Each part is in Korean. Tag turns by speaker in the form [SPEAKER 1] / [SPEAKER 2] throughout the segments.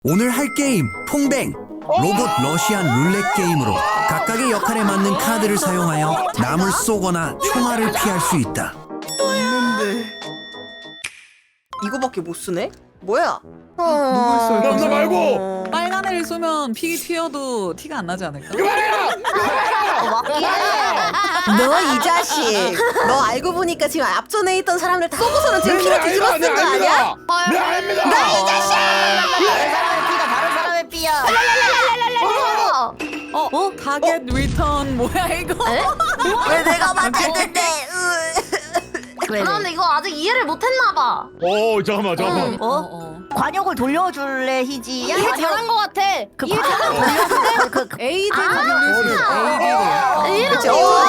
[SPEAKER 1] 오늘 할 게임 퐁뱅 로봇 러시안 룰렛 게임으로 각각의 역할에 맞는 카드를 사용하여 남을 쏘거나 총알을 피할 수 있다.
[SPEAKER 2] 없는데 이거밖에 못 쓰네? 뭐야?
[SPEAKER 3] 누굴 쏠
[SPEAKER 4] 남자
[SPEAKER 3] 거죠?
[SPEAKER 4] 말고!
[SPEAKER 3] 빨간 애를 쏘면 피 튀어도 티가 안 나지 않을까?
[SPEAKER 2] 너 이 자식 너 알고 보니까 지금 앞전에 있던 사람들 다 쏘고서는 지금 피를 뒤집어 쓴 거 아니야?
[SPEAKER 4] 네 아닙니다!
[SPEAKER 2] 너 이 자식!
[SPEAKER 5] 다른 사람의 삐야.
[SPEAKER 3] 타겟 리턴 뭐야 이거?
[SPEAKER 2] 왜 내가 맞췄는데?
[SPEAKER 5] 근데 이거 아직 이해를 못했나봐.
[SPEAKER 4] 잠깐만.
[SPEAKER 5] 관역을 돌려줄래 희지야?
[SPEAKER 6] 이해 잘한 것 같아.
[SPEAKER 5] 이해 잘한 돌려줄래?
[SPEAKER 3] 에이드 누르시 에이드.
[SPEAKER 2] 그치?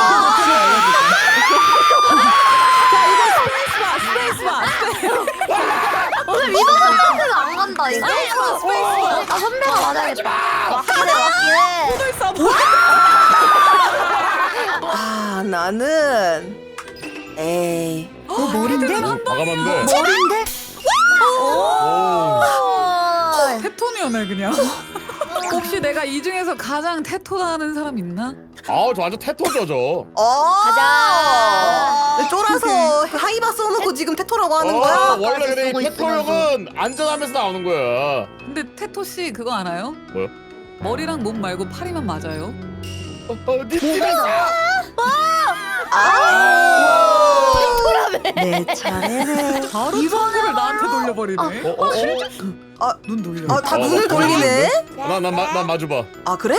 [SPEAKER 3] 스페이스바.
[SPEAKER 5] 오늘 위도 선배가 안 간다 이거. 아 선배가 맞아야겠다. 맞긴 해.
[SPEAKER 2] 아 나는 에이
[SPEAKER 3] 머리인데?
[SPEAKER 4] 과감한데.
[SPEAKER 5] 머리인데?
[SPEAKER 3] 테토니어네 그냥. 혹시 내가 이 중에서 가장 테토나는 사람 있나?
[SPEAKER 4] 아우 저 완전 태토죠 저.
[SPEAKER 5] 가자.
[SPEAKER 2] 쫄아서 하이바 써놓고 지금 테토라고 하는 거야?
[SPEAKER 4] 원래 근데 이
[SPEAKER 5] 쓰고
[SPEAKER 4] 태토형은 안전하면서 나오는 거야.
[SPEAKER 3] 근데 테토 씨 그거 알아요?
[SPEAKER 4] 뭐요?
[SPEAKER 3] 머리랑 몸 말고 팔이만 맞아요.
[SPEAKER 2] 내 차례네.
[SPEAKER 3] 바로 이번을 나한테 돌려버리네. 눈 돌려.
[SPEAKER 2] 다 눈을 돌리네?
[SPEAKER 4] 난 마주봐.
[SPEAKER 2] 아 그래?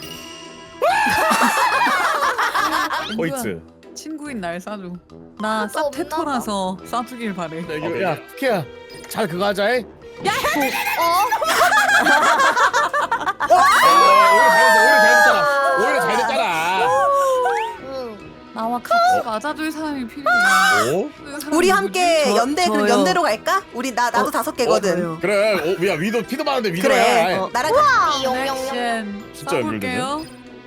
[SPEAKER 4] 호이트.
[SPEAKER 3] 친구인 날 쏴줘. 나 쌉 테토라서 쏴주길 바래.
[SPEAKER 4] 야 쿠키야. 잘 그거 하자. 해. 오히려 잘 됐잖아.
[SPEAKER 3] 나와 같이 맞아줄 사람이 필요해.
[SPEAKER 4] 오?
[SPEAKER 3] 그 사람이
[SPEAKER 2] 우리
[SPEAKER 3] 누구지?
[SPEAKER 2] 함께 연대 그럼
[SPEAKER 3] 저요.
[SPEAKER 2] 연대로 갈까? 우리 나도 5개거든.
[SPEAKER 4] 그래. 야 위도 피도 많은데 위도야.
[SPEAKER 2] 그래. 나랑
[SPEAKER 3] 액션
[SPEAKER 4] 진짜
[SPEAKER 3] 쏴볼게요.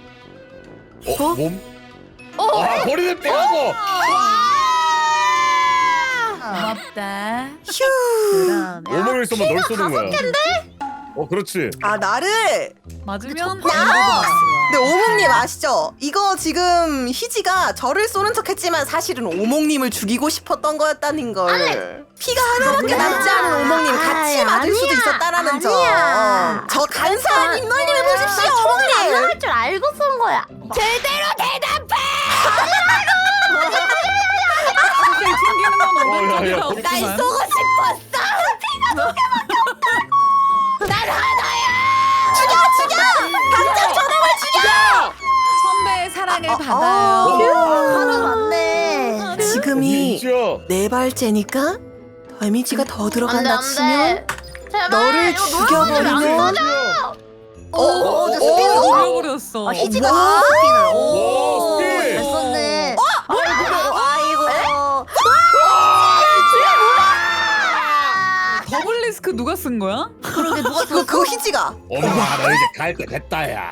[SPEAKER 4] 몸? 아 버리는 빼고.
[SPEAKER 3] 고맙다.
[SPEAKER 2] 휴.
[SPEAKER 4] 오목을 쏘면 널 쏘는 거야. 그렇지.
[SPEAKER 2] 아 나를.
[SPEAKER 3] 맞으면
[SPEAKER 2] 근데 오목님 아시죠? 이거 지금 희지가 저를 쏘는 척했지만 사실은 오목님을 죽이고 싶었던 거였다는 걸. 피가 하나밖에 남지 않은 오목님 같이 맞을 수도 있었다라는 점.
[SPEAKER 5] 아니야.
[SPEAKER 2] 저 간사한 입놀림을 보십시오, 오목님.
[SPEAKER 5] 할 줄 알고 쏜 거야.
[SPEAKER 6] 제대로 대답해.
[SPEAKER 3] 사실 튕기는 건
[SPEAKER 4] 야, 야,
[SPEAKER 3] 오른쪽이라
[SPEAKER 4] 거기
[SPEAKER 6] 날
[SPEAKER 3] 없지만
[SPEAKER 6] 쏘고 싶었어. 난 하나야.
[SPEAKER 3] 선배의 사랑을 받아요.
[SPEAKER 5] 하루 맞네.
[SPEAKER 2] 지금이
[SPEAKER 4] 진짜.
[SPEAKER 2] 네 발째니까 데미지가 더 들어간다 치면
[SPEAKER 5] 제발
[SPEAKER 2] 너를
[SPEAKER 5] 이거
[SPEAKER 2] 죽여버리면
[SPEAKER 5] 스피드
[SPEAKER 3] 돌려버렸어.
[SPEAKER 5] 희지가
[SPEAKER 2] 와.
[SPEAKER 5] 스피드를.
[SPEAKER 4] 오, 스피드.
[SPEAKER 5] 잘 썼네. 아이고.
[SPEAKER 3] 더블 리스크 누가 쓴 거야?
[SPEAKER 5] 그러게 누가
[SPEAKER 2] 그거 희지가.
[SPEAKER 4] 엄마 너 이제 갈 때 됐다야.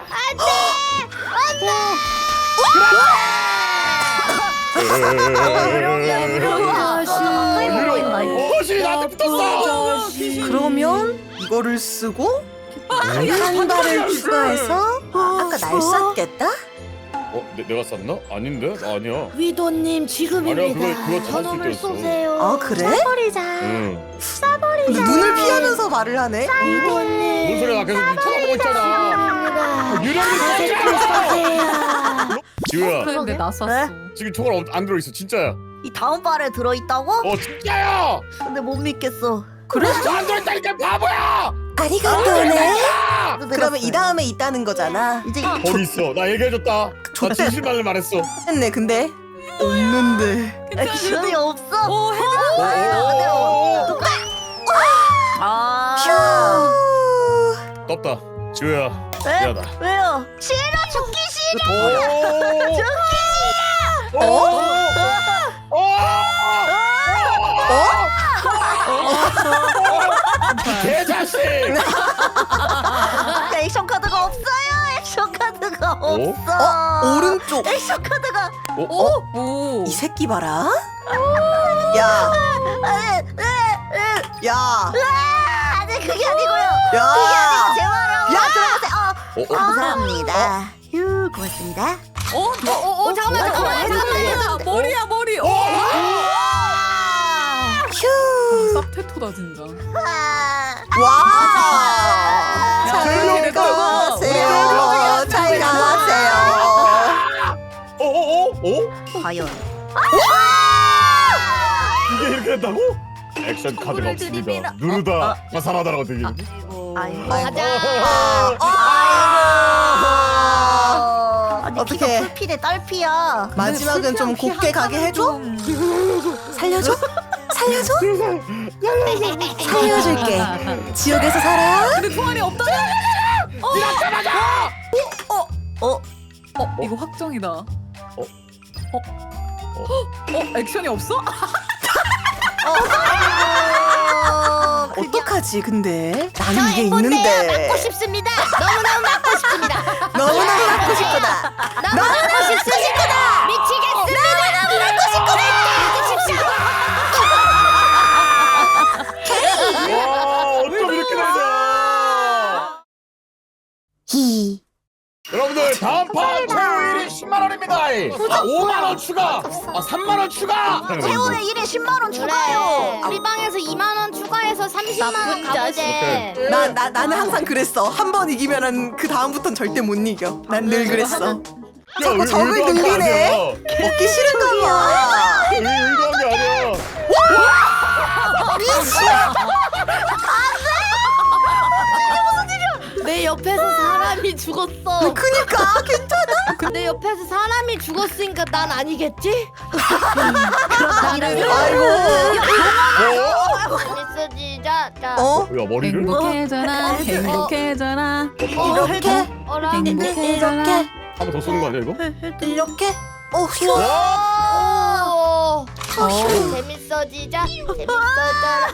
[SPEAKER 4] 어시 나한테 붙었어.
[SPEAKER 2] 그러면 이거를 쓰고 한 발을 추가해서 아까 날 쐈겠다?
[SPEAKER 4] 내가 쐈나? 아닌데? 아니야.
[SPEAKER 6] 위도님
[SPEAKER 4] 아니야
[SPEAKER 6] 지금입니다.
[SPEAKER 4] 그거
[SPEAKER 6] 저놈을
[SPEAKER 4] 쐈을 때였어.
[SPEAKER 6] 쏘세요.
[SPEAKER 2] 아 그래?
[SPEAKER 5] 버리자.
[SPEAKER 4] 응.
[SPEAKER 2] 근데 눈을 피하면서 말을 하네?
[SPEAKER 6] 위도님.
[SPEAKER 4] 뭔 소리야? 계속 쳐다보고 있잖아. 유령이
[SPEAKER 6] 쏘세요.
[SPEAKER 4] 지우야
[SPEAKER 3] 근데 나 쐈어.
[SPEAKER 4] 지금 총알 안 들어있어 진짜야.
[SPEAKER 5] 이 다음 발에 들어있다고?
[SPEAKER 4] 진짜야.
[SPEAKER 5] 근데 못 믿겠어.
[SPEAKER 2] 그래?
[SPEAKER 4] 안 들어있다니까 바보야.
[SPEAKER 2] 아리가또네.
[SPEAKER 5] 그래도
[SPEAKER 2] 그러면
[SPEAKER 5] 내렸어요.
[SPEAKER 2] 이 다음에 있다는 거잖아.
[SPEAKER 5] 이제
[SPEAKER 4] 거기 있어. 나 얘기해줬다. 나
[SPEAKER 2] 좋대.
[SPEAKER 4] 진실만을 말했어.
[SPEAKER 2] 했네 근데 없는데.
[SPEAKER 5] 액션이 없어.
[SPEAKER 3] 오 헤드.
[SPEAKER 5] 아.
[SPEAKER 2] 휴.
[SPEAKER 4] 떴다. 지우야
[SPEAKER 5] 왜?
[SPEAKER 4] 미안하다.
[SPEAKER 5] 왜요? 싫어 죽기 싫어.
[SPEAKER 4] 오. 오. 개자식!
[SPEAKER 5] 액션 카드가 없어요. 액션 카드가 없어.
[SPEAKER 2] 오른쪽.
[SPEAKER 5] 액션 카드가.
[SPEAKER 3] 오.
[SPEAKER 2] 이 새끼 봐라. 야. 야.
[SPEAKER 5] 아, 네. 그게 아니고요.
[SPEAKER 2] 야.
[SPEAKER 5] 제 말을 한번 들어보세요. 감사합니다. 휴, 고맙습니다. 잠깐만요.
[SPEAKER 3] 머리야 머리.
[SPEAKER 2] 휴.
[SPEAKER 3] 쌉 테토다 진짜.
[SPEAKER 2] 와.
[SPEAKER 3] 야,
[SPEAKER 2] 잘
[SPEAKER 3] 이렇게
[SPEAKER 2] 가세요. 잘 가세요.
[SPEAKER 5] 과연.
[SPEAKER 4] 이게 이렇게 된다고? 액션 카드가 없습니다. 누르다 화살하다라고 되겠는데?
[SPEAKER 5] 아이고.
[SPEAKER 6] 가자.
[SPEAKER 5] 아니,
[SPEAKER 2] 어떡해.
[SPEAKER 5] 피가 풀피네 딸피야.
[SPEAKER 2] 마지막은 좀 곱게 가게 해줘? 살려줘? 살려줘? 살려줄게. 지옥에서 살아?
[SPEAKER 3] 근데 총알이 없다냐? 이거 확정이다. 액션이 없어?
[SPEAKER 2] 어떡하지 근데? 나는 이게
[SPEAKER 6] 뭔데요?
[SPEAKER 2] 있는데.
[SPEAKER 6] 맞고 싶습니다. 너무너무 맞고 싶습니다.
[SPEAKER 2] 너무너무 갖고 싶구나.
[SPEAKER 6] 너무 맞고 싶습니다. 미치겠습니다. 너무 맞고 싶구나. 주십시오.
[SPEAKER 4] 와 어쩜 이렇게 되냐?
[SPEAKER 5] 히.
[SPEAKER 4] 여러분들 다음 판 최후 1위 10만 원입니다. 5만 원 추가. 3만 원 추가.
[SPEAKER 5] 최후의 1에 10만 원 추가요.
[SPEAKER 6] 우리 방에서 2만 원 추가해서 30만 원
[SPEAKER 5] 나쁜
[SPEAKER 6] 가보재.
[SPEAKER 2] 나는 항상 그랬어. 한 번 이기면은 그 다음부턴 절대 못 이겨. 난 늘 그랬어. 자꾸 적을 늘리네. 먹기 싫은가 봐.
[SPEAKER 4] 의도한 게 아니야.
[SPEAKER 6] 내 옆에서 사람이 죽었어.
[SPEAKER 2] 그니까 괜찮아.
[SPEAKER 6] 내 옆에서 사람이 죽었으니까 난 아니겠지?
[SPEAKER 2] 아이고.
[SPEAKER 6] 재밌어지자. 자.
[SPEAKER 2] 어?
[SPEAKER 4] 야 머리를?
[SPEAKER 3] 행복해져라 행복해져라
[SPEAKER 2] 이렇게?
[SPEAKER 6] 어라.
[SPEAKER 2] 이렇게?
[SPEAKER 4] 한 번 더 쏘는 거 아니야 이거?
[SPEAKER 2] 이렇게? 휴.
[SPEAKER 6] 오. 재밌어지자. 재밌어져라.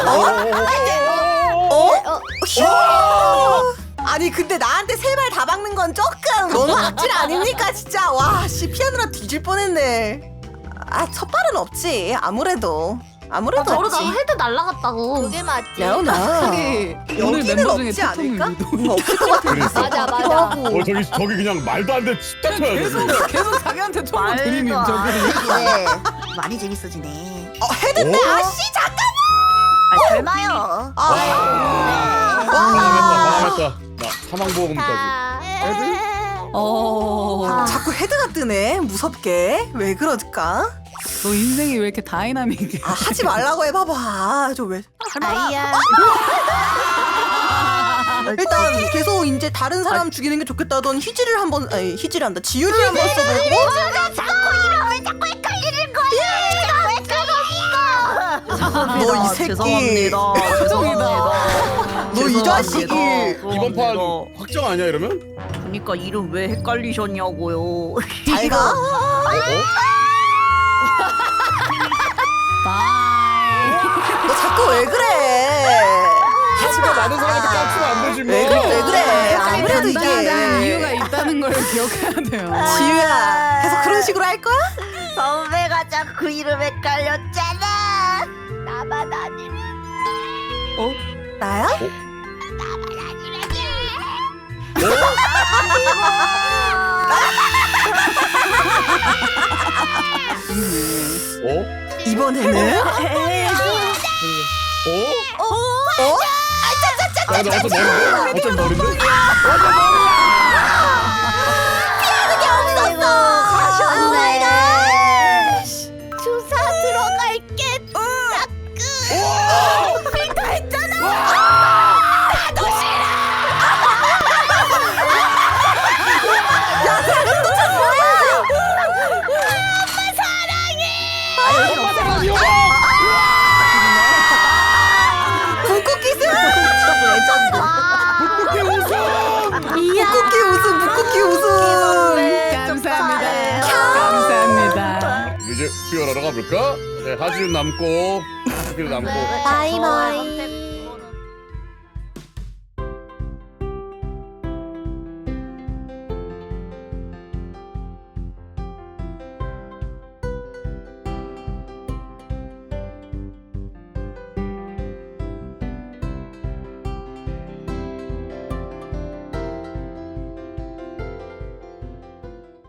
[SPEAKER 2] 휴. 아니 근데 나한테 세 발 다 박는 건 조금 너무 악질 아닙니까 진짜. 와 씨 피하느라 뒤질 뻔했네. 첫 발은 없지. 아무래도
[SPEAKER 5] 저러다가
[SPEAKER 2] 없지.
[SPEAKER 5] 헤드 날라갔다고.
[SPEAKER 6] 그게 맞지.
[SPEAKER 2] 야나
[SPEAKER 3] 확실히 오늘
[SPEAKER 2] 여기는
[SPEAKER 3] 멤버 중에
[SPEAKER 2] 없지
[SPEAKER 3] 테토는
[SPEAKER 2] 않을까?
[SPEAKER 3] 유독
[SPEAKER 2] 없을 것 같아.
[SPEAKER 4] 그랬어.
[SPEAKER 6] 맞아 맞아.
[SPEAKER 4] 저기 그냥 말도 안 돼. 집대쳐야 돼.
[SPEAKER 3] 계속 자기한테 총알 들이민 저기.
[SPEAKER 5] 네. 많이 재밌어지네.
[SPEAKER 2] 헤드 때 아씨 잠깐.
[SPEAKER 5] 설마요.
[SPEAKER 4] 망했다. 나 사망보험까지.
[SPEAKER 2] 자꾸 헤드가 뜨네. 무섭게. 왜 그럴까?
[SPEAKER 3] 너 인생이 왜 이렇게 다이나믹해?
[SPEAKER 2] 하지 말라고 해봐봐. 저 왜?
[SPEAKER 6] 아이야.
[SPEAKER 2] 일단 계속 이제 다른 사람 죽이는 게 좋겠다던 희지를 한번 아니 희지를 한다. 지윤이 한번 써보고.
[SPEAKER 5] 자꾸 이름을 자꾸 헷갈리는 거야.
[SPEAKER 2] 너 이 새끼.
[SPEAKER 3] 확정이다.
[SPEAKER 2] 너 이 자식이.
[SPEAKER 4] 이번 판 확정 아니야 이러면?
[SPEAKER 7] 그러니까 이름 왜 헷갈리셨냐고요.
[SPEAKER 2] 잘 가. 너 자꾸 왜 그래?
[SPEAKER 4] 하지가 많은 사람한테 깜치면 안 되지 뭐.
[SPEAKER 2] 왜 그래 왜 그래? 아무래도
[SPEAKER 3] 간단한
[SPEAKER 2] 이게
[SPEAKER 3] 이유가 있다는 걸 기억해야 돼요.
[SPEAKER 2] 지유야. 계속 그런 식으로 할 거야?
[SPEAKER 5] 선배가 자꾸 이름 헷갈렸잖아.
[SPEAKER 6] 나만 아니.
[SPEAKER 2] 나야?
[SPEAKER 4] 어?
[SPEAKER 2] 이번에는?
[SPEAKER 4] 어? 야, 나 어쩜 머린데? 어쩜 머린데?
[SPEAKER 5] 가셨네.
[SPEAKER 6] 주사 들어갈게.
[SPEAKER 2] 북쿠키 북쿠키 우승.
[SPEAKER 3] 감사합니다. 감사합니다.
[SPEAKER 4] 이제 수혈하러 가볼까? 네, 하지는 남고, 하기도 남고.
[SPEAKER 6] 바이바이.